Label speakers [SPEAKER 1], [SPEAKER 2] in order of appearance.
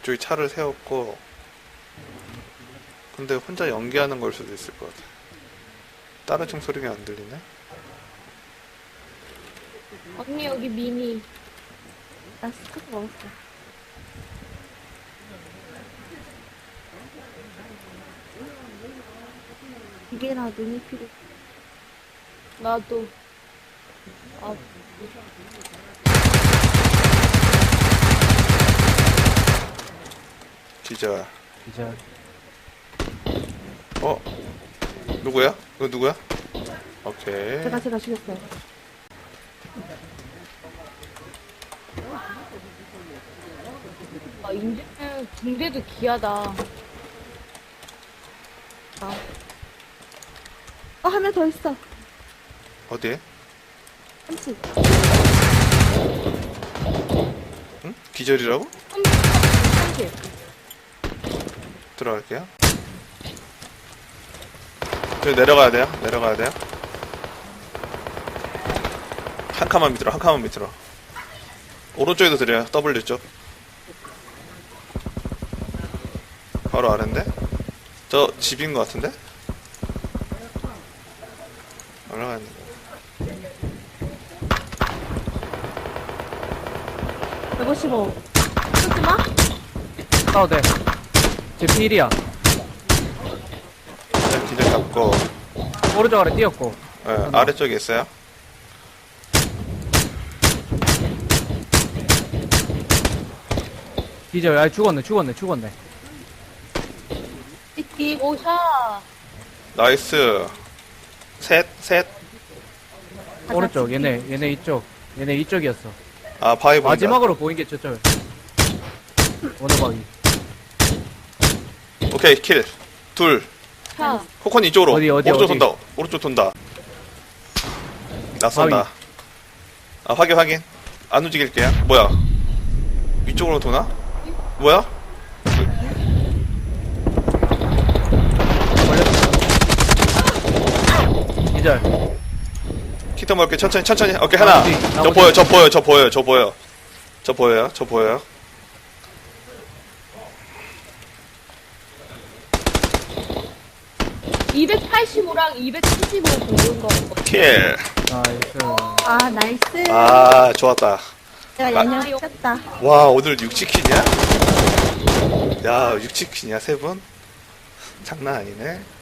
[SPEAKER 1] 이쪽에 차를 세웠고. 근데 혼자 연기하는 걸 수도 있을 것 같아. 다른 총 소리가 안 들리네?
[SPEAKER 2] 언니 여기 미니.
[SPEAKER 3] 나 스토브 먹었어. 이게나 눈이 필요.
[SPEAKER 2] 나도. 아,
[SPEAKER 1] 기절.
[SPEAKER 4] 기절.
[SPEAKER 1] 어? 누구야? 이거 누구야? 오케이.
[SPEAKER 3] 제가 죽였어요.
[SPEAKER 2] 아 인제는 붕대도 귀하다.
[SPEAKER 3] 한 명 더 있어.
[SPEAKER 1] 어디에?
[SPEAKER 3] 30.
[SPEAKER 1] 응? 기절이라고?
[SPEAKER 2] 30.
[SPEAKER 1] 들어갈게요. 여기 내려가야 돼요. 내려가야 돼요. 한 칸만 밑으로, 한 칸만 밑으로. 오른쪽에도 드려요. W 쪽. 바로 아래인데? 저 집인 것 같은데? 올라가는 거.
[SPEAKER 3] 155. 쏘지 마.
[SPEAKER 4] 싸워도 돼. 제 필이야.
[SPEAKER 1] 일단 기절 잡고,
[SPEAKER 4] 오른쪽 아래 뛰었고.
[SPEAKER 1] 아래쪽에 있어요.
[SPEAKER 4] 기절. 아, 죽었네.
[SPEAKER 3] 찍기.
[SPEAKER 2] 오샤.
[SPEAKER 1] 나이스. 셋.
[SPEAKER 4] 오른쪽. 얘네 이쪽. 얘네 이쪽이었어.
[SPEAKER 1] 아, 바위 보인다.
[SPEAKER 4] 마지막으로 보인 게 저쪽. 어느 방이?
[SPEAKER 1] 오케이, 킬. 둘.
[SPEAKER 2] 샤.
[SPEAKER 1] 코코니 이쪽으로.
[SPEAKER 4] 어디?
[SPEAKER 1] 오른쪽 돈다. 오른쪽 돈다. 낯선다. 아, 확인. 안 움직일게요. 뭐야? 위쪽으로 도나? 뭐야?
[SPEAKER 4] 기절.
[SPEAKER 1] 키트 먹을게. 천천히. 오케이, 하나.
[SPEAKER 4] 나머지.
[SPEAKER 1] 저 보여요.
[SPEAKER 2] 285랑 275 보는 거.
[SPEAKER 1] 킬.
[SPEAKER 4] 나이스.
[SPEAKER 3] 아, 나이스.
[SPEAKER 1] 아, 좋았다.
[SPEAKER 3] 내가 양념 시켰다.
[SPEAKER 1] 와, 오늘 6치킨이야? 야, 6치킨이야, 세 분? 장난 아니네.